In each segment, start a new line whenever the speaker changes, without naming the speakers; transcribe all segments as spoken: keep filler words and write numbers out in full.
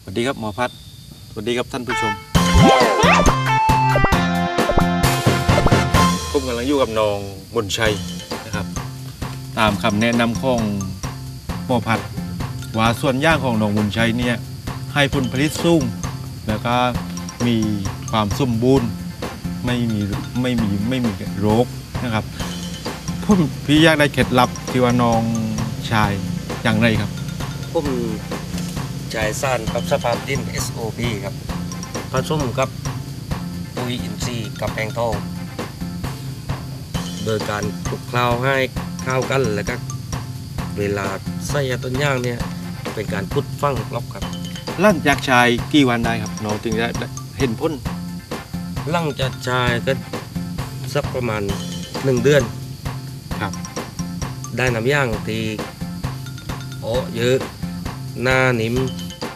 วัสดีครับหมอพัดสวัสดีครับท่านผู้ชมผมกำลังอยู่กับน้องมนชัยนะครับตามคำแนะนำของหมอพัดว่าส่วนย่างของน้องมนชัยเนี่ยให้ผลผลิตสูงแล้วก็มีความสมบูรณ์ไม่มีไม่มีไม่มีโรคนะครับผมพี่อยากได้เคล็ดลับที่ว่าน้องชายอย่างไรครับ
ผมจ่ายซ่านกับสภาพดิน เอส โอ พี ครับผสมกับปุ๋ยอินทรีย์กับแปลงทองโดยการคลุกเคล้าให้เข้ากันแล้วก็เวลาใส่ต้นย่างเนี่ยเป็นการพุดฟังรอบครับ
ลั่นจากชายกี่วันได้ครับน้องถึงจะเห็นผล
หลังจากชายก็สักประมาณหนึ่งเดือน
ครับ
ได้น้ำย่างที่โอ้เยอะหน้านิ่ม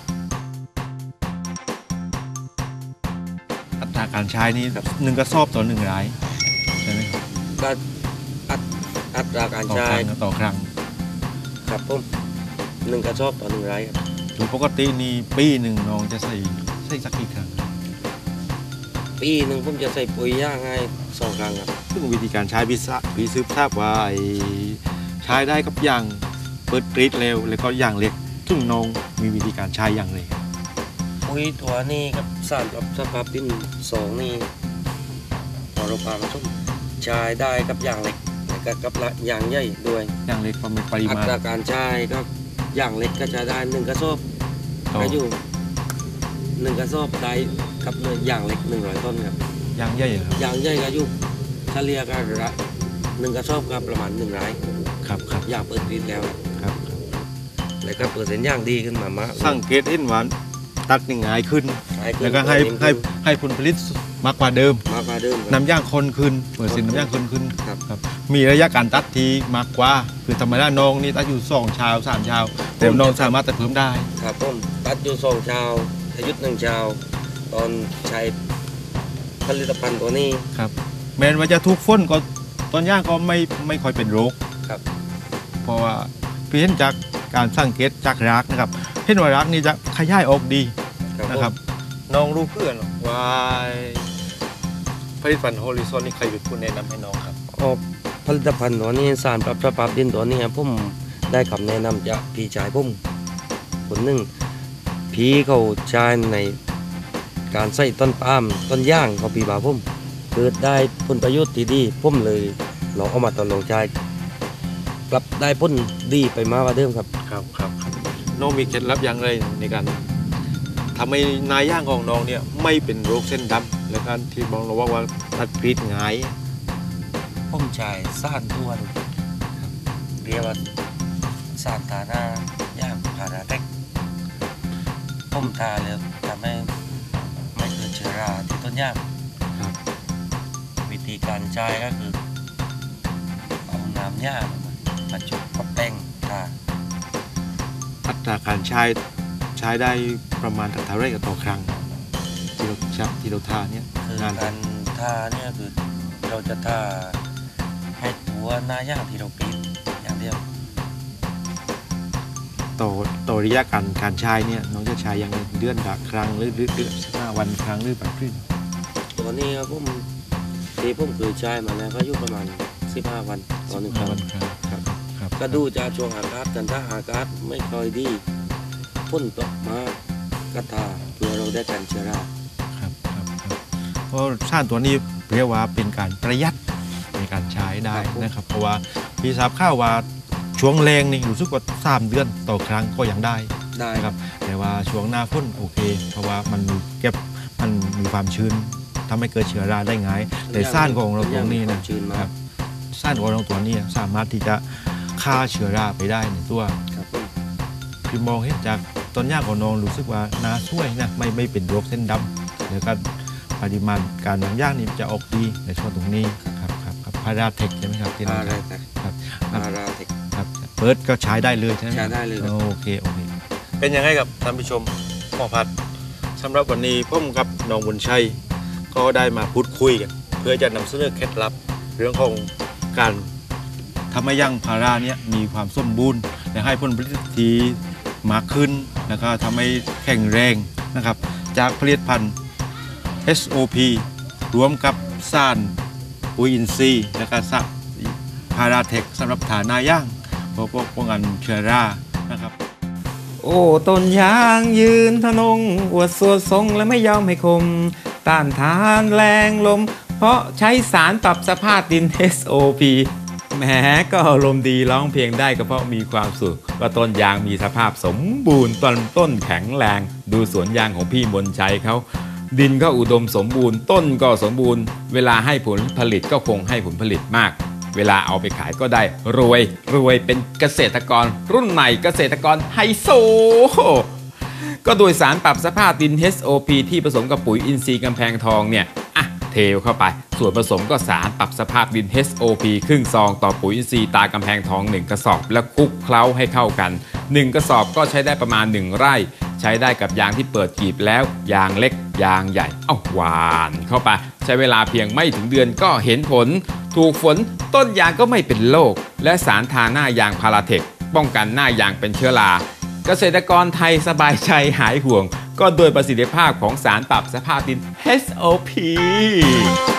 อัตราการใช้นี่หนึ่งกระสอบต่อหนึ่งรายใช่ไหมครับ
ก็อัตอัตราการใช้
ต่อครั้ง
ครับผมหนึ่งกระสอบต่อหนึ่งรายครับ
โดยปกตินี่ปีหนึ่งน้องจะใส่ใส่สักกี่ครั้ง
ปีหนึ่งผมจะใส่ปุ๋ยย่างให้สองครั้งครับ
ซึ่งวิธีการใช้พิซซ่าพิซซ่าว่าใช้ได้กับอย่างเปิดกรีดเร็วแล้วก็อย่างเล็กซึ่งน้องมีวิธีการใช้อย่างไร
ปุ๋ยตัวนี้กับสารปรับสภาพดินสองนี่พอเราพาผสมใช้ได้กับอย่างเล็กแล้วก็กับอย่างใหญ่ด้วย
อย่างเล็กประมาณปริมาณ
อัตราการใช้ก็อย่างเล็กก็จะได้หนึ่งกระสอบก็อยู่หนึ่งกระสอบได้กับเนื้ออย่างเล็กหนึ่งร้อยต้นครับ
อย่างใหญ่ครับ
อย่างใหญ่ก็อยู่เฉลี่ยกันละหนึ่งกระสอบก็ประมาณหนึ่งไร่
ครับครับ
อย่างเปิดกรีดแล้ว
ครับ
แล้วก็เปิดเส้นย่างดีขึ้นมามาก
สังเกตเห็นว่าตัดง่ายขึ้นแล้วก็ให้ให้ให้ผลผลิตมากกว่าเดิม
มากกว่าเดิม
น้ำย่างคนขึ้นเปิดเส้นน้ำย่างคนขึ้นครับมีระยะการตัดทีมากกว่าคือธรรมดาน้องนี่ตัดอยู่สองชาวสามชาวแต่น้องสามารถตัดเพิ่มได้
ครับผมตัดอยู่สองชาวอายุหนึ่งชาวตอนใช้ผลิตภัณฑ์ตัวนี้
ครับแม้ว่าจะทุกฝนก็ต้นย่างก็ไม่ไม่ค่อยเป็นโรค
ครับ
เพราะว่าพี่เห็นจากการสังเกตจากรากนะครับเห็นว่ารากนี่จะขยายออกดีนะครับน้องรู้เพื่อนว่าผลิตภัณฑ์โฮลิซอนนี่ใครเป็นผู้แนะนำให้น้องครับ
อ๋อผลิตภัณฑ์ตัวนี้สารปรับสภาพดินตัวนี้ผมได้คำแนะนำจากพี่ชายผมคนหนึ่งพี่เขาใช้ในการใส่ต้นปาล์มต้นย่างของพี่บ่าวผมเกิดได้ผลประโยชน์ที่ดีผมเลยลองเอามาตอนลองใช้กลับได้ผลดีไปมากกว่าเดิมครับ
ครับครับน้องมีเคล็ดลับอย่างไรในการทำให้นายย่างของน้องเนี่ยไม่เป็นโรคเส้นดำและการที่บอกเราว่าว่าตัดกรีดง่าย
ผมใช้สารด้วนเรียกว่าสารทาหน้าย่างพาราเทคผมทาเลยทำให้ไม่เกิดเชื้อราที่ต้นย่างวิธีการใช้ก็คือเอาน้ำย่างมาจุ่มกับแป้งทา
อัตราการใช้ใช้ได้ประมาณเท่าไรกับต่อครั้งที่เราชักที่เราทาเนี่ย
คือการทาเนี่ยคือเราจะทาให้ตัวหน้าย่างที่เราปีนอย่างเดียว
ต่อต่อระยะการการใช้เนี่ยน้องจะใช้อย่างเดือนละครั้งหรือเดือนสิบห้าวันครั้งหรือแบบนี้
ตัวนี้ครับผมที่ผมเคยใช้มาแล้วก็อยู่ประมาณสิบห้าวันต่อหนึ่งครั้ง
ครับครับ
ก็ดูจากช่วงอากาศกันถ้าอากาศไม่ค่อยดีฝนตกมากก็ทาเพื่อเราได้กันเชื้อรา
ครับครับครับเพราะสารตัวนี้เรียกว่าเป็นการประหยัดในการใช้ได้นะครับเพราะว่าพี่ทราบข่าวว่าช่วงแรงนี่รู้สึกว่าสามเดือนต่อครั้งก็ยังได้
ได้
ครับแต่ว่าช่วงหน้าฝนโอเคเพราะว่ามันมีเก็บมันมีความชื้นทำให้เกิดเชื้อราได้ง่ายแต่สารของเราตัวนี้นะครับสารของเราตัวนี้สามารถที่จะฆ่าเชื้อราไปได้ในตัวคือมองเห็นจากต้นหญ้าของน้องรู้สึกว่าน่าช่วยนะไม่ไม่เป็นโรคเส้นดำแล้วก็ปริมาณการน้ำย่างนี่จะออกดีในช่วงตรงนี้ครับครับครับพาราเทคใช่ไหมครับที่
น้อง
ครับ
พาราเทค
ครับเปิดก็ใช้ได้เลยใช่ไหม
ใช้ได้เลย
โอเคโอเคเป็นยังไงกับท่านผู้ชมหมอพัดสำหรับวันนี้ผมกับน้องบุญชัยก็ได้มาพูดคุยกันเพื่อจะนำเสนอเคล็ดลับเรื่องของการทำให้ย่างพาราเนี่ยมีความสมบูรณ์และให้ผลผลิตที่มากขึ้นแล้วก็ทำให้แข็งแรงนะครับจากผลิตภัณฑ์ เอส โอ พี รวมกับสารปุ๋ยอินทรีย์และก็สารพาราเทคสำหรับฐานาย่างเพื่อป้องกันเชื้อรานะครับ
โอ้ต้นยางยืนทะนงอวดสวดทรงและไม่ยอมให้คมต้านทานแรงลมเพราะใช้สารปรับสภาพดิน เอส โอ พี แหมก็อารมณ์ดีร้องเพลงได้ก็เพราะมีความสุขว่าต้นยางมีสภาพสมบูรณ์ต้นต้นแข็งแรงดูสวนยางของพี่มนชัยเขาดินก็อุดมสมบูรณ์ต้นก็สมบูรณ์เวลาให้ผลผลิตก็คงให้ผลผลิตมากเวลาเอาไปขายก็ได้รวยรวยเป็นเกษตรกรรุ่นใหม่เกษตรกรไฮโซก็โดยสารปรับสภาพดิน เอส โอ พี ที่ผสมกับปุ๋ยอินทรีย์กำแพงทองเนี่ยอ่ะเทเข้าไปส่วนผสมก็สารปรับสภาพดิน เอส โอ พี ครึ่งซองต่อปุ๋ยอินทรีย์ตากำแพงทองหนึ่งกระสอบแล้วคลุกเคล้าให้เข้ากันหนึ่งกระสอบก็ใช้ได้ประมาณหนึ่งไร่ใช้ได้กับยางที่เปิดกลีบแล้วยางเล็กยางใหญ่เอ้าหวานเข้าไปใช้เวลาเพียงไม่ถึงเดือนก็เห็นผลถูกฝนต้นยางก็ไม่เป็นโรคและสารทาหน้ายางพาราเทคป้องกันหน้ายางเป็นเชื้อราเกษตรกรไทยสบายใจหายห่วงก็โดยประสิทธิภาพของสารปรับสภาพดิน เอส โอ พี